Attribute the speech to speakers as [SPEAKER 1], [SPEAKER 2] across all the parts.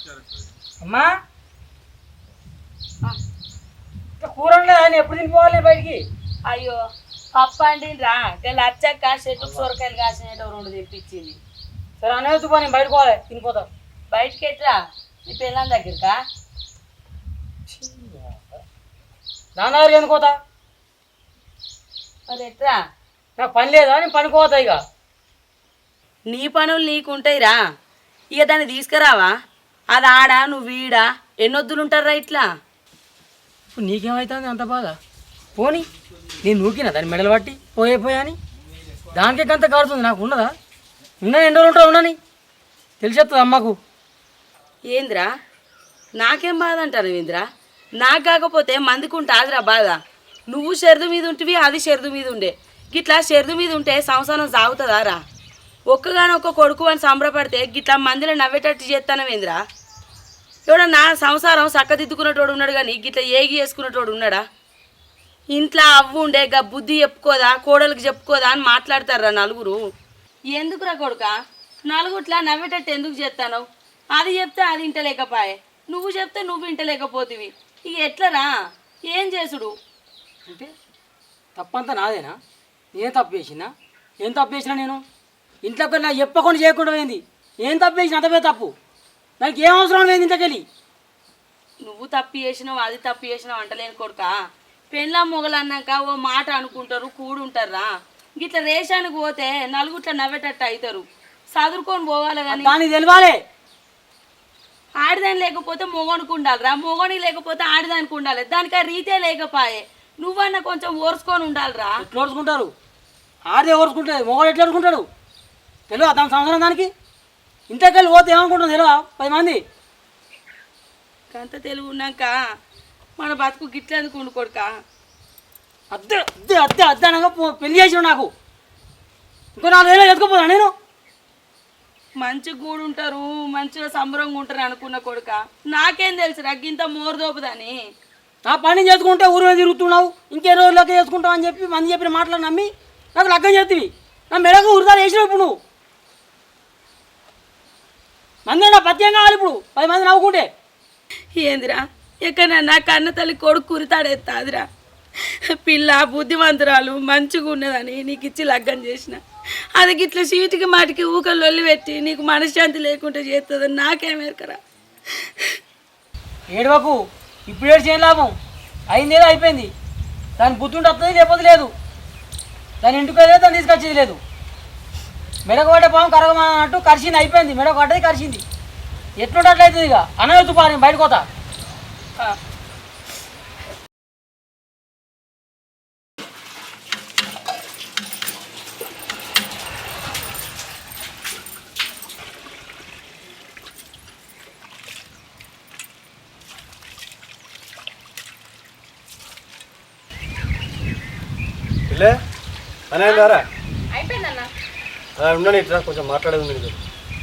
[SPEAKER 1] అమ్మా కూర ఆయన ఎప్పుడు తినిపోవాలి బయటికి?
[SPEAKER 2] అయ్యో పప్పు అండిరా లచ్చక్క చెట్టుకు సొరకాయలు కాసినట్టు 2 తెప్పించింది.
[SPEAKER 1] సరే అనేది నేను బయటకు పోవాలి, తినిపోతాం.
[SPEAKER 2] బయటికి ఎట్రా నీ పిల్లల దగ్గరకా?
[SPEAKER 1] నాన్నగారు ఎందుకు పోతా?
[SPEAKER 2] మరి ఎట్రా?
[SPEAKER 1] నాకు పని లేదా, నేను పనికి పోతా. ఇక
[SPEAKER 2] నీ పనులు నీకుంటాయిరా, ఇక దాన్ని తీసుకురావా? అది ఆడ నువ్వు వీడా ఎన్నొద్దులు ఉంటారా ఇట్లా?
[SPEAKER 1] ఇప్పుడు నీకేమవుతుంది అంత బాధ? పోనీ నేను నూకినా దాన్ని మెడలు పట్టి పోయా అని దానికే అంత కాడుతుంది. నాకు ఉన్నదా? ఉన్నా ఎన్ని రోజులు ఉంటావు ఉండని తెలిసేస్తుంది అమ్మకు.
[SPEAKER 2] ఏంద్రా నాకేం బాధ అంటారు ఏంద్రా? నాకు కాకపోతే మందికి ఉంటుందిరా బాధ. నువ్వు షెర్దు మీద ఉంటివి, అది షెర్దు మీద ఉండే. గిట్లా షెర్దు మీద ఉంటే సంసారం సాగుతుందా రా? ఒక్కగానొక్క కొడుకు అని సంబరపడితే గిట్లా మందిలో నవ్వేటట్టు చేస్తానవేంద్రా? ఎవడ నా సంసారం చక్కదిద్దుకునేటోడు ఉన్నాడు కానీ గిట్లా ఏగి వేసుకునేటోడు ఉన్నాడా? ఇంట్లో అవ్వు ఉండే గా బుద్ధి చెప్పుకోదా, కోడలికి చెప్పుకోదా అని మాట్లాడతారా నలుగురు. ఎందుకురా కొడుక నలుగుట్లా నవ్వేటట్టు ఎందుకు చేస్తాను? అది చెప్తే అది ఇంటలేకపాయే, నువ్వు చెప్తే నువ్వు ఇంటలేకపోతివి. ఇక ఎట్లరా? ఏం చేసుడు?
[SPEAKER 1] అంటే తప్పంతా నాదేనా? నేను తప్పు చేసినా? ఏం తప్పు చేసినా? నేను ఇంట్లోకి నాకు చెప్పకుండా చేయకుండా పోయింది. ఏం తప్పు చేసిన? అంతపే తప్పు. నాకు ఏం అవసరం లేదు ఇంట్లోకెళ్ళి.
[SPEAKER 2] నువ్వు తప్పు చేసినావు, అది తప్పు చేసినావు అంటలేను కొడుక. పెళ్ళ మొగలు అన్నాక ఓ మాట అనుకుంటారు, కూడుంటారా? గిట్లా రేషానికి పోతే నలుగుట్ల నవ్వేటట్టు అవుతారు. చదువుకొని పోవాలి కానీ
[SPEAKER 1] దానికి తెలియాలి.
[SPEAKER 2] ఆడిదాని లేకపోతే మొగనికి ఉండాలిరా, మొగనికి లేకపోతే ఆడిదానికి ఉండాలి. దానికి ఆ రీతే లేకపోయే. నువ్వన్నా కొంచెం ఓర్చుకొని ఉండాలిరా.
[SPEAKER 1] ఎట్లా ఓర్చుకుంటారు? ఆడే ఓర్చుకుంటుంది, మొగడు ఎట్లా ఓర్చుకుంటాడు? తెలియదు దాని సంవత్సరం దానికి. ఇంట్లోకెళ్ళి పోతే ఏమనుకుంటుంది తెలియదా 10 మంది?
[SPEAKER 2] అంత తెలుగు ఉన్నాక మన బతుకు గిట్లేందుకు ఉండుకోడుక.
[SPEAKER 1] అద్దె అద్దె అద్దె అద్దె అనగా పెళ్లి చేసిన నాకు ఇంకో 4 ఏళ్ళు ఎత్తుకుపోదా నేను?
[SPEAKER 2] మంచి గూడుంటారు, మంచిగా సంబరంగా ఉంటారు అనుకున్న కొడుక. నాకేం తెలుసురా గింత మోరదోపుదని?
[SPEAKER 1] నా పని చేసుకుంటే ఊరు మీద తిరుగుతున్నావు, ఇంకే రోజులకి చేసుకుంటావు అని చెప్పి మంది చెప్పిన మాటలు నమ్మి నాకు లగ్గం చేతివి. నా మెడకు ఉరిదాలు వేసినావు. ఇప్పుడు నువ్వు మంది నా పత్యం కావాలి. ఇప్పుడు 10 మంది నవ్వుకుంటే
[SPEAKER 2] ఏందిరా ఎక్కడ నా కన్న తల్లి కొడుకు కురితాడేస్తాదిరా? పిల్ల బుద్ధిమంతురాలు మంచిగా ఉన్నదని నీకు ఇచ్చి లగ్గం చేసిన. అది గిట్ల సీటుకి మాటికి ఊకలు లొల్లి పెట్టి నీకు మనశ్శాంతి లేకుండా చేస్తుందని నాకేమేరకరా?
[SPEAKER 1] ఏడవకు. ఇప్పుడు ఏడు చేయని లాభం. అయిందేదో అయిపోయింది. దాని బుద్ధి ఉంటే వస్తుంది, లేకపోతే లేదు. దాని ఇంటికి లేదు, దాన్ని తీసుకొచ్చేది లేదు. మెడకు పట్టే పాము కరగమా అంటూ కరిచింది, అయిపోయింది. మెడకు పట్టేది కరిచింది. ఎట్లుంటే అట్లయితుంది. ఇక అనవెత్తు పా, నేను బయటకు పోతా.
[SPEAKER 3] అన్నారా?
[SPEAKER 2] అయిపోయిందన్న.
[SPEAKER 3] ఉండని ఇట్లా కొంచెం మాట్లాడేది ఉంది నీకు.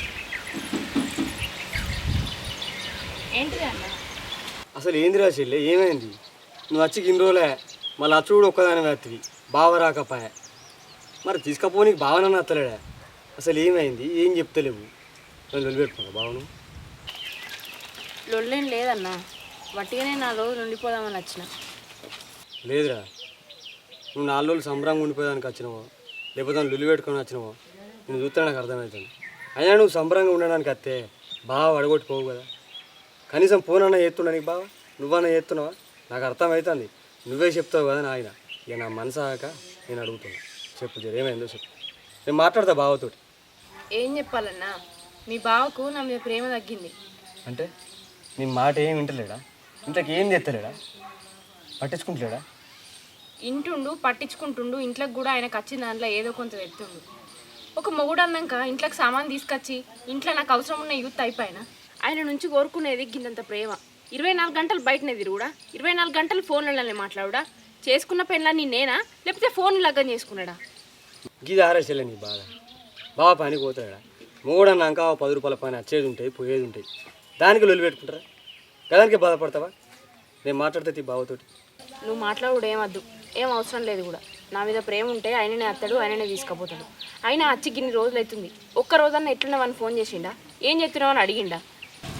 [SPEAKER 2] ఏంటిది అన్న?
[SPEAKER 3] అసలు ఏందిరా చెల్లె, ఏమైంది? నువ్వు వచ్చి ఇన్ని రోజులే, మళ్ళీ అచ్చు కూడా ఒక్కదాని వేస్తుంది. బావ రాకపాయ మరి తీసుకపోనీకు బావనన్నా అత్తలేడా? అసలు ఏమైంది? ఏం చెప్తలేవు? నన్ను వదిలిపెట్టుకున్నా బావను.
[SPEAKER 4] లొల్లేం లేదన్నా, వట్టిగానే 4 రోజులు ఉండిపోదామని వచ్చిన.
[SPEAKER 3] లేదురా, నువ్వు 4 రోజులు సంబరంగా ఉండిపోయేదానికి వచ్చినావో లేకపోతే నన్ను లొల్లి పెట్టుకొని వచ్చినావో నేను చూస్తే నాకు అర్థమవుతుంది. అయినా నువ్వు సంబరంగా ఉండడానికి వస్తే బావ అడగొట్టుకోవు కదా. కనీసం ఫోన్ అన్నా చేస్తుండ నీకు బావ? నువ్వన్నా చేస్తున్నావా? నాకు అర్థమవుతుంది. నువ్వే చెప్తావు కదా నాయన. ఇక నా మనసు ఆక నేను అడుగుతున్నా. చెప్పు జర, ఏమైందో చెప్పు. నేను మాట్లాడతా బావతోటి.
[SPEAKER 4] ఏం చెప్పాలన్నా, మీ బావకు నా మీద ప్రేమ తగ్గింది.
[SPEAKER 3] అంటే నీ మాట ఏం వింటలేడా? ఇంట్లోకి ఏం తెత్తలేడా? పట్టించుకుంటలేడా?
[SPEAKER 4] ఇంటుండు పట్టించుకుంటుండు, ఇంట్లోకి కూడా ఆయనకు వచ్చిన దాంట్లో ఏదో కొంత తెస్తుండు. ఒక మొగుడు అన్నాక ఇంట్లోకి సామాన్ తీసుకొచ్చి ఇంట్లో నాకు అవసరం ఉన్న యూత్ అయిపోయినా ఆయన నుంచి కోరుకునేది గిన్నంత ప్రేమ. 24 గంటలు బయటనే తిరుగుడా, 24 గంటలు ఫోన్లలోనే మాట్లాడుడా. చేసుకున్న పెళ్ళాన్ని నేనా లేకపోతే ఫోన్ లగ్గం చేసుకున్నాడా?
[SPEAKER 3] గీది ఆరేసలే నీ బాధ. బావ పనికి పోతాడా? మూడన్నాక 10 రూపాయల పని వచ్చేది ఉంటాయి, పోయేది ఉంటాయి. దానికి లొల్లి పెట్టుకుంటారా? గదానికి బాధపడతావా? నేను మాట్లాడితే బావతోటి.
[SPEAKER 4] నువ్వు మాట్లాడు ఏమద్దు, ఏం అవసరం లేదు కూడా. నా మీద ప్రేమ ఉంటే ఆయననే అత్తాడు, ఆయననే తీసుకుపోతాడు. ఆయన వచ్చి గిన్ని రోజులు అవుతుంది, ఒక్క రోజన్నా ఎట్లున్నావని ఫోన్ చేసిండా? ఏం చెప్తున్నావు అని అడిగిండా?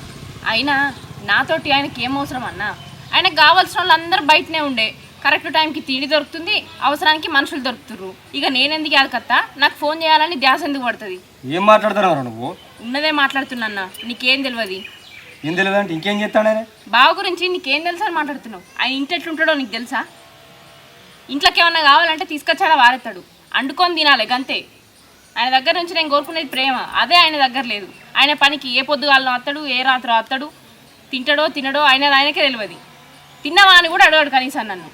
[SPEAKER 4] అయినా నాతోటి ఆయనకి ఏం అవసరం అన్నా? ఆయనకు కావాల్సిన వాళ్ళు అందరూ బయటనే ఉండే, కరెక్ట్ టైంకి తిండి దొరుకుతుంది, అవసరానికి మనుషులు దొరుకుతుర్రు. ఇక నేనెందుకు యాదకత్తా? నాకు ఫోన్ చేయాలని ధ్యాస ఎందుకు పడుతుంది?
[SPEAKER 3] ఏం మాట్లాడుతున్నావు నువ్వు?
[SPEAKER 4] ఉన్నదే మాట్లాడుతున్నా, నీకేం తెలియదు.
[SPEAKER 3] ఏం తెలియదు అంటే ఇంకేం చేస్తాడే?
[SPEAKER 4] బావ గురించి నీకేం తెలుసా అని మాట్లాడుతున్నావు? ఆయన ఇంటి ఎట్లుంటాడో నీకు తెలుసా? ఇంట్లోకి ఏమన్నా కావాలంటే తీసుకొచ్చాడా వారెత్తాడు, అండుకొని తినాలి గంతే. ఆయన దగ్గర నుంచి నేను కోరుకునేది ప్రేమ, అదే ఆయన దగ్గర లేదు. ఆయన పనికి ఏ పొద్దుగాలను వస్తాడు, ఏ రాత్రి వస్తాడు, తింటాడో తినడో ఆయనకే తెలియదు. తిన్నావా అని కూడా అడగాడు కనీసం నన్ను.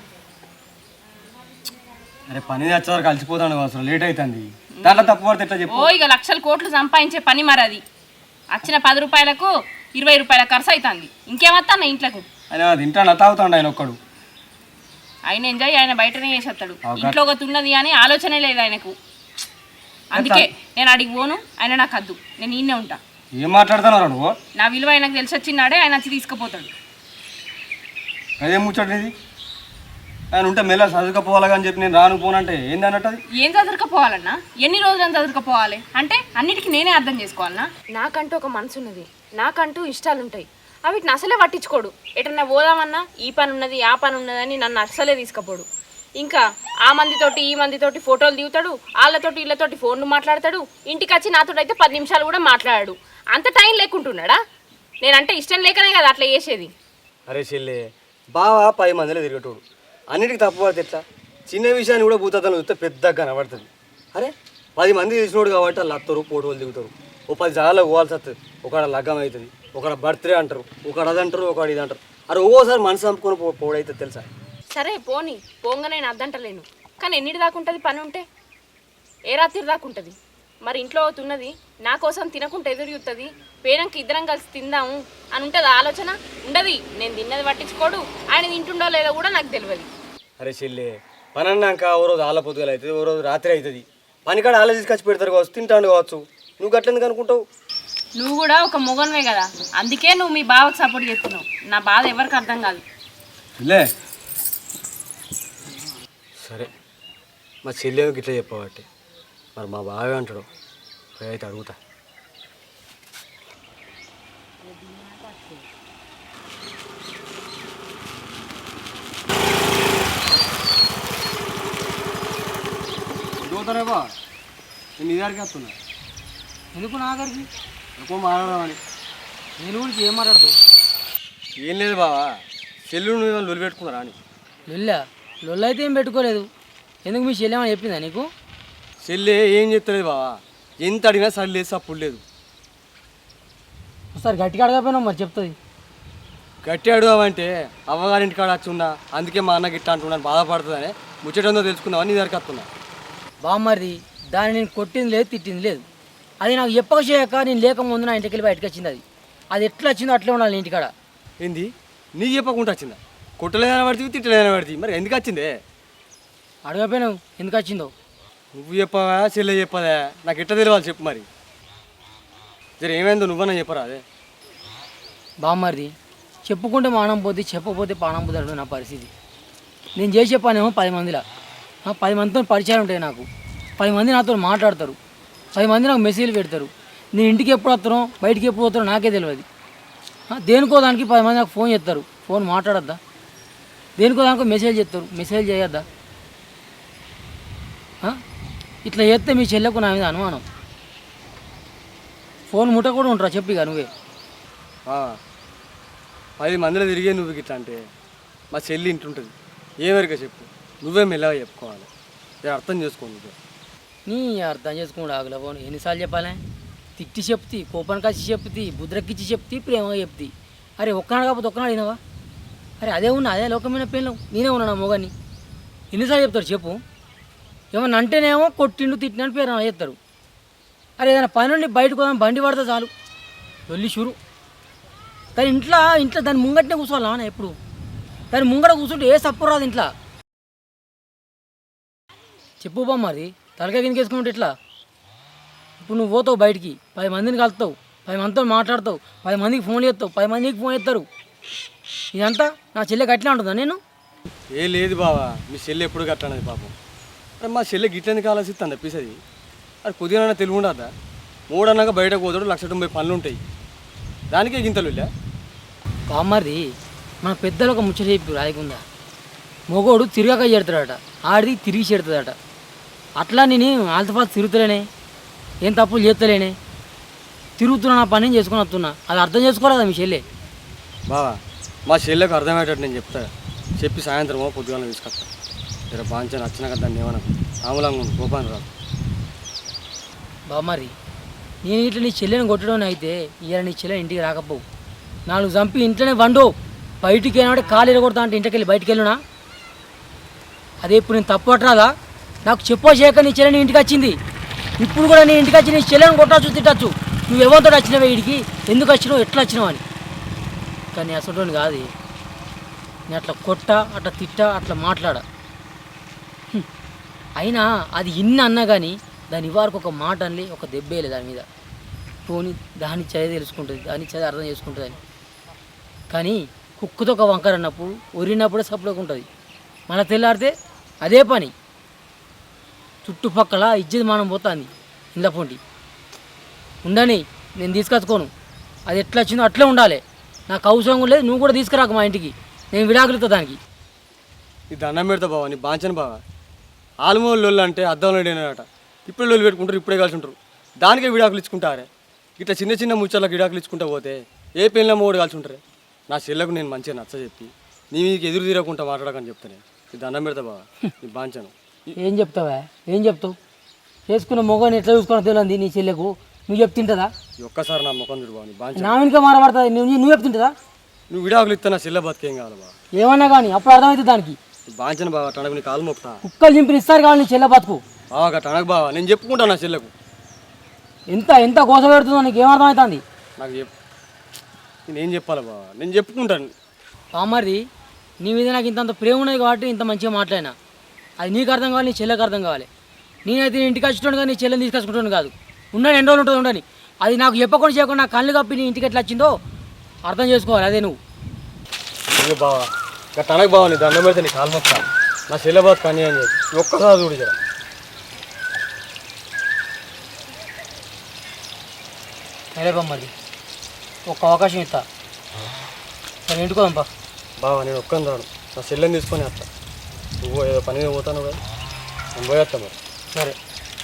[SPEAKER 3] అరే పని వచ్చేవారు కలిసిపోతాను, అసలు లేట్ అవుతుంది. దాంట్లో తప్పు పడితే ఎట్లా చెప్పు?
[SPEAKER 4] ఓ ఇక లక్షల కోట్లు సంపాదించే పని మరి అది. వచ్చిన 10 రూపాయలకు 20 రూపాయల ఖర్చు అవుతుంది. ఇంకేమత్తా అన్న ఇంట్లోకి?
[SPEAKER 3] ఆయన తింటాను తాగుతాడు ఆయన ఒక్కడు.
[SPEAKER 4] ఆయన ఎంజాయ్ ఆయన బయటనే చేసేస్తాడు, ఇంట్లో ఒక ఉన్నది అని ఆలోచనే లేదు ఆయనకు. అందుకే నేను అడిగి పోను, ఆయన నాకు వద్దు, నేను ఈయనే ఉంటా.
[SPEAKER 3] ఏం మాట్లాడుతున్నావు నువ్వు?
[SPEAKER 4] నా విలువ ఆయనకు తెలిసి వచ్చినాడే ఆయన వచ్చి తీసుకుపోతాడు.
[SPEAKER 3] అదేం ముచ్చటది? ఆయన ఉంటే మెల్ల చదువుకపోవాలి అని చెప్పి నేను రాను పోనంటే ఏంది అన్నట్టు? అది
[SPEAKER 4] ఏం చదువుకపోవాలన్నా? ఎన్ని రోజులని చదువుకపోవాలి అంటే అన్నిటికీ నేనే అర్థం చేసుకోవాలన్నా? నాకంటూ ఒక మనసు ఉన్నది, నాకంటూ ఇష్టాలు ఉంటాయి, అవిటిని అసలే పట్టించుకోడు. ఎటన్నా పోదామన్నా ఈ పని ఉన్నది ఆ పని ఉన్నదని నన్ను అసలే తీసుకుపోడు. ఇంకా ఆ మందితోటి ఈ మందితోటి ఫోటోలు దిగుతాడు, వాళ్ళతోటి వీళ్ళతోటి ఫోన్లు మాట్లాడతాడు. ఇంటికి వచ్చి నాతో అయితే 10 నిమిషాలు కూడా మాట్లాడాడు. అంత టైం లేకుంటున్నాడా? నేనంటే ఇష్టం లేకనే కదా అట్లా చేసేది.
[SPEAKER 3] అరే చెల్లె, బావా 10 మందిలో తిరగటోడు, అన్నిటికీ తప్పు పడితే ఎట్లా? చిన్న విషయాన్ని కూడా భూతద్దం చూస్తే పెద్దగా కనబడుతుంది. అరే 10 మంది తెలిసినోడు కాబట్టి వాళ్ళు వస్తారు, ఫోటోలు దిగుతారు. ఓ 10 జాగాలో పోవాల్సి వస్తుంది. ఒకడ లగ్గం అవుతుంది, ఒకడ బర్త్డే అంటారు, ఒకడు అది అంటారు, ఒకడు ఇది అంటారు. అరే ఒక్కోసారి మనసు చంపుకొని పోడైతే తెలుసా?
[SPEAKER 4] సరే పోనీ, పోంగా నేను అద్దంటలేను, కానీ ఎన్నిటి దాకా ఉంటుంది పని ఉంటే? ఏ రాత్రి దాకా ఉంటుంది? మరి ఇంట్లో అవుతున్నది నా కోసం తినకుండా ఎదురు చూస్తుంది, పేరంకి ఇద్దరం కలిసి తిందాము అని ఉంటుంది ఆలోచన? ఉండదు. నేను తిన్నది పట్టించుకోడు, ఆయన తింటుండో లేదో కూడా నాకు తెలియదు.
[SPEAKER 3] అరే చెల్లె, పని అన్నాక ఓ రోజు ఆల పొద్దుగల అవుతుంది, ఓ రోజు రాత్రి అవుతుంది. పనికాడ ఆల తీసుకొచ్చి పెడతారు కావచ్చు, తింటాను కావచ్చు. నువ్వు గట్లెందుకు అనుకుంటావు?
[SPEAKER 4] నువ్వు కూడా ఒక మొగన్వే కదా, అందుకే నువ్వు మీ బావకు సపోర్ట్ చేస్తున్నావు. నా బాధ ఎవరికి అర్థం కాదు.
[SPEAKER 3] లే సరే, మా చెల్లెకి ఇట్లా చెప్పబట్టి మరి మా బావే అంటాడు, అయితే అడుగుతా. అడుగుతారే బా, నేను నీ దగ్గరికి వస్తున్నా.
[SPEAKER 1] ఎందుకు నా దగ్గరికి?
[SPEAKER 3] ఎక్కువ మాట్లాడమని.
[SPEAKER 1] నేను గురించి ఏం మాట్లాడదు?
[SPEAKER 3] ఏం లేదు బావా, చెల్లు నువ్వు లొల్లి పెట్టుకున్నారా అని.
[SPEAKER 1] లొల్ల అయితే ఏం పెట్టుకోలేదు. ఎందుకు మీ చెల్లెమని చెప్పిందా నీకు?
[SPEAKER 3] చెల్లె ఏం చెప్తలేదు బావా, ఎంత అడిగినా సరి లేదు, సప్పుడు లేదు.
[SPEAKER 1] ఒకసారి గట్టిగా అడగపోయినావు, మరి చెప్తుంది.
[SPEAKER 3] గట్టి అడుగుదామంటే అవ్వగారింటి కాడ వచ్చి ఉన్నా, అందుకే మా అన్న గిట్ట అంటున్నాను, బాధపడుతుందని ముచ్చటందో తెలుసుకుందామని నీ దగ్గరికి వస్తున్నా.
[SPEAKER 1] బామ్మరిది, దాన్ని నేను కొట్టింది లేదు, తిట్టింది లేదు. అది నాకు చెప్పక చేయక నేను లేకముందు నా ఇంటికి వెళ్ళి బయటకు వచ్చింది. అది ఎట్లా వచ్చిందో అట్లే ఉండాలి ఇంటికాడ.
[SPEAKER 3] ఏంది నీకు చెప్పకుండా వచ్చిందా? కొట్టలేదని పడితే తిట్టలేదని పడితే మరి ఎందుకు వచ్చిందే?
[SPEAKER 1] అడగపోయినావు ఎందుకు వచ్చిందో.
[SPEAKER 3] నువ్వు చెప్పవా చెల్లె చెప్పదా? నాకు ఎట్లా తెలియాలి చెప్పు మరి. సరే ఏమైందో నువ్వన్నా చెప్పరా? అదే
[SPEAKER 1] బామ్మరిది, చెప్పుకుంటే మానం పోద్ది, చెప్పకపోతే పానం పోతాడు నా పరిస్థితి. నేను చేసే పనేమో 10 మందిలా, 10 మందితో పరిచయాలు ఉంటాయి నాకు. 10 మంది నాతో మాట్లాడతారు, 10 మంది నాకు మెసేజ్లు పెడతారు. నేను ఇంటికి ఎప్పుడు వస్తానో బయటికి ఎప్పుడు పోతానో నాకే తెలియదు. దేనికో దానికి 10 మంది నాకు ఫోన్ చేస్తారు, ఫోన్ మాట్లాడద్దా? దేనికో దానికో మెసేజ్ చేస్తారు, మెసేజ్ చేయొద్దా? ఇట్లా చేస్తే మీ చెల్లెకు నా మీద అనుమానం. ఫోన్ ముట్ట కూడా ఉంటారా చెప్పి ఇక నువ్వే.
[SPEAKER 3] 10 మందిలో తిరిగే నువ్వు గిట్లా అంటే మా చెల్లి ఇంటుంటుంది. ఏమరిగా చెప్పు, నువ్వే మెల్లగా చెప్పుకోవాలి. నేను అర్థం చేసుకోండి.
[SPEAKER 1] నీ అర్థం చేసుకుంటూ ఆగుల ఫోన్ ఎన్నిసార్లు చెప్పాలి? తిట్టి చెప్తి, కోపానికి వచ్చి చెప్తి, బుద్రకిచ్చి చెప్తి, ప్రేమగా చెప్తి. అరే ఒక్కనాడు కాకపోతే ఒక్కనాడు వినవా? అరే అదే ఉన్నా, అదే లోకమైన పెళ్ళం, నేనే ఉన్నాను మొగాన్ని. ఎన్నిసార్లు చెప్తారు చెప్పు? ఏమన్నా అంటేనేమో కొట్టిండు తిట్టినట్టు పేరు చెప్తారు. అరే ఏదైనా పని నుండి బయటకు పోదాం బండి పడితే చాలు వెళ్ళి షురు. కానీ ఇంట్లో దాని ముంగట్నే కూర్చోవాలా ఎప్పుడు? దాని ముంగట కూర్చుంటే ఏ సప్పు రాదు ఇంట్లో. చెప్పు బా మరి, తలకాయ కిందకి వేసుకుంటే ఎట్లా? ఇప్పుడు నువ్వు పోతావు బయటికి, 10 మందిని కలుస్తావు, 10 మందితో మాట్లాడతావు, 10 మందికి ఫోన్ చేస్తావు, 10 మందికి ఫోన్ చేస్తారు. ఇదంతా నా చెల్లెకి అట్లా ఉంటుందా? నేను
[SPEAKER 3] ఏ లేదు బావా, మీ చెల్లి ఎప్పుడు కట్టనది పాపం. అరే మా చెల్లె గిట్లెందుకు ఆలోచిస్తాను తప్పిస్తుంది. అది కొద్దిగా తెలివి ఉండదా? 3 అన్నాక బయటకు పోతాడు, 1,90,000 పనులు ఉంటాయి, దానికే గింతలు.
[SPEAKER 1] బామ్మది మన పెద్దలు ఒక ముచ్చట చెప్పి రాయకుందా మొగోడు తిరగక చేడతాడట ఆడిది తిరిగి చేడుతుందట అట్లా నేను ఆల్తఫాల్తు తిరుగుతలేనే ఏం తప్పులు చేస్తలేనే తిరుగుతున్నా నా పని చేసుకొని వస్తున్నా అది అర్థం చేసుకోలేదా మీ చెల్లె
[SPEAKER 3] బావా మా చెల్లెకు అర్థమయ్యేటట్టు నేను చెప్తా చెప్పి సాయంత్రమో పొద్దుగాల తీసుకొస్తా జర బాగా నచ్చినాక దాన్ని ఏమన్నా ఆములంగా కోపాన్ని రాదు
[SPEAKER 1] బామ్మరి నేను ఇట్లా నీ చెల్లెని కొట్టడం అయితే ఇవాళ నీ చెల్లెని ఇంటికి రాకపోవు 4 చంపి ఇంట్లోనే వండు బయటికి వెళ్ళినట్టే కాలు ఎరగొడతా అంటే ఇంటికి వెళ్ళి బయటికి వెళ్ళునా అదే ఇప్పుడు నేను తప్పు పట్టరాదా నాకు చెప్పో చేయక నీ చెల్లెని ఇంటికి వచ్చింది ఇప్పుడు కూడా నీ ఇంటికి వచ్చి నీ చెల్లెని కొట్టచ్చు తిట్టచ్చు నువ్వు ఎవరితో వచ్చినావే వీడికి ఎందుకు వచ్చినావు ఎట్లా వచ్చినావు అని కానీ అసలు కాదు నేను అట్లా కొట్ట అట్లా తిట్ట అట్లా మాట్లాడ అయినా అది ఇన్ని అన్నా కానీ దాని ఇవ్వరకు ఒక మాట అనలే ఒక దెబ్బేలే దాని మీద పోని దాని చదివి తెలుసుకుంటుంది దాని చదివి అర్థం చేసుకుంటుంది అని కానీ కుక్కతో ఒక వంకర అన్నప్పుడు ఒరినప్పుడే సప్పులోకి ఉంటుంది మన తెల్లారితే అదే పని చుట్టుపక్కల ఇజ్జత్ మానం పోతుంది ఇంత పొంటి ఉండని నేను తీసుకొచ్చుకోను అది ఎట్లా వచ్చిందో అట్లే ఉండాలి నాకు అవసరం లేదు నువ్వు కూడా తీసుకురాకు మా ఇంటికి నేను విడాకులుతా దానికి
[SPEAKER 3] ఈ దండం పెడతా బావా నీ బాంచను బావా ఆల్మోల్ లొల్లు అంటే అద్దంలో అట ఇప్పుడు లొల్లు పెట్టుకుంటారు ఇప్పుడే కలిసి ఉంటారు దానికే విడాకులు ఇచ్చుకుంటారే ఇట్లా చిన్న చిన్న ముచ్చర్లకు విడాకులు ఇచ్చుకుంటా పోతే ఏ పెళ్ళ మూడు కలిసి ఉంటారే నా చెల్లకు నేను మంచిగా నచ్చ చెప్పి నీ మీకు ఎదురు తీరకుండా మాట్లాడకని చెప్తానే ఈ దండం పెడతా బావా నీ బాంచను
[SPEAKER 1] ఏం చెప్తావా ఏం చెప్తావు చేసుకున్న మొగని ఎట్లా చూసుకోవడం తెలియదు నీ చెల్లెకు నువ్వు చెప్తుంటుందా
[SPEAKER 3] ఒక్కసారి నా ముఖం చూడు బావ నీ బాంచను
[SPEAKER 1] నా వెనుక మారబడుతుంది నువ్వు చెప్తుంటుందా
[SPEAKER 3] నువ్వు విడాకులు ఇస్తా నా చెల్లె బతికేం కావాలి బావ
[SPEAKER 1] ఏమన్నా కానీ అప్పుడు అర్థమవుతుంది దానికి
[SPEAKER 3] బాంచను బావ టనకు నీ కాలు మొక్తా
[SPEAKER 1] కుక్కలు చింపిని ఇస్తారు కావాలి నీ చెల్లె బతుకు
[SPEAKER 3] బావా టనకు బావా నేను చెప్పుకుంటా నా చెల్లెకు
[SPEAKER 1] ఎంత ఎంత కోస పెడుతుందో నీకు ఏమర్థమవుతుంది
[SPEAKER 3] నాకు నేనేం చెప్పాలి బావా నేను చెప్పుకుంటాను
[SPEAKER 1] మరి నీ మీద నాకు ఇంత ప్రేమ ఉన్నది కాబట్టి ఇంత మంచిగా మాట్లాడినా అది నీకు అర్థం కావాలి నీ చెల్లెకి అర్థం కావాలి నేనైతే నీ ఇంటికి వచ్చుకోండి కానీ నీ చెల్లెని తీసుకొచ్చుకుంటాను కాదు ఉండని ఎన్ని రోజులు ఉంటుంది ఉండని అది నాకు చెప్పకుండా చేయకుండా నా కళ్ళు కప్పి నీ ఇంటికి ఎట్లా వచ్చిందో అర్థం చేసుకోవాలి అదే నువ్వు
[SPEAKER 3] బావా ఇంకా తనకు బావా నీ దండం పెడితే నీ కాలు మొక్తా నా చెల్లె బాత్ కానీ అని చెప్పి ఒక్కసారి చూడు జర
[SPEAKER 1] సరే బొమ్మది ఒక్క అవకాశం ఇస్తా సరే ఇంటికోదంపా
[SPEAKER 3] బావా నేను ఒక్కని రాను నా చెల్లెని తీసుకొని వస్తా నువ్వు ఏదో పని మీద పోతాను కదా నేను పోయేస్తా మరి
[SPEAKER 1] సరే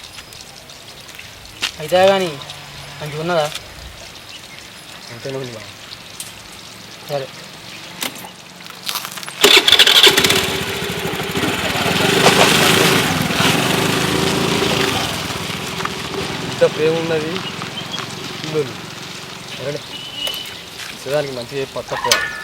[SPEAKER 1] అయితే కానీ మంచిగా ఉన్నదా
[SPEAKER 3] అంతేనా ఉంది బావ
[SPEAKER 1] సరే
[SPEAKER 3] ఇంత ప్రేమ ఉన్నది ఇల్లు సరే నిజానికి మంచిగా పట్టకపోవాలి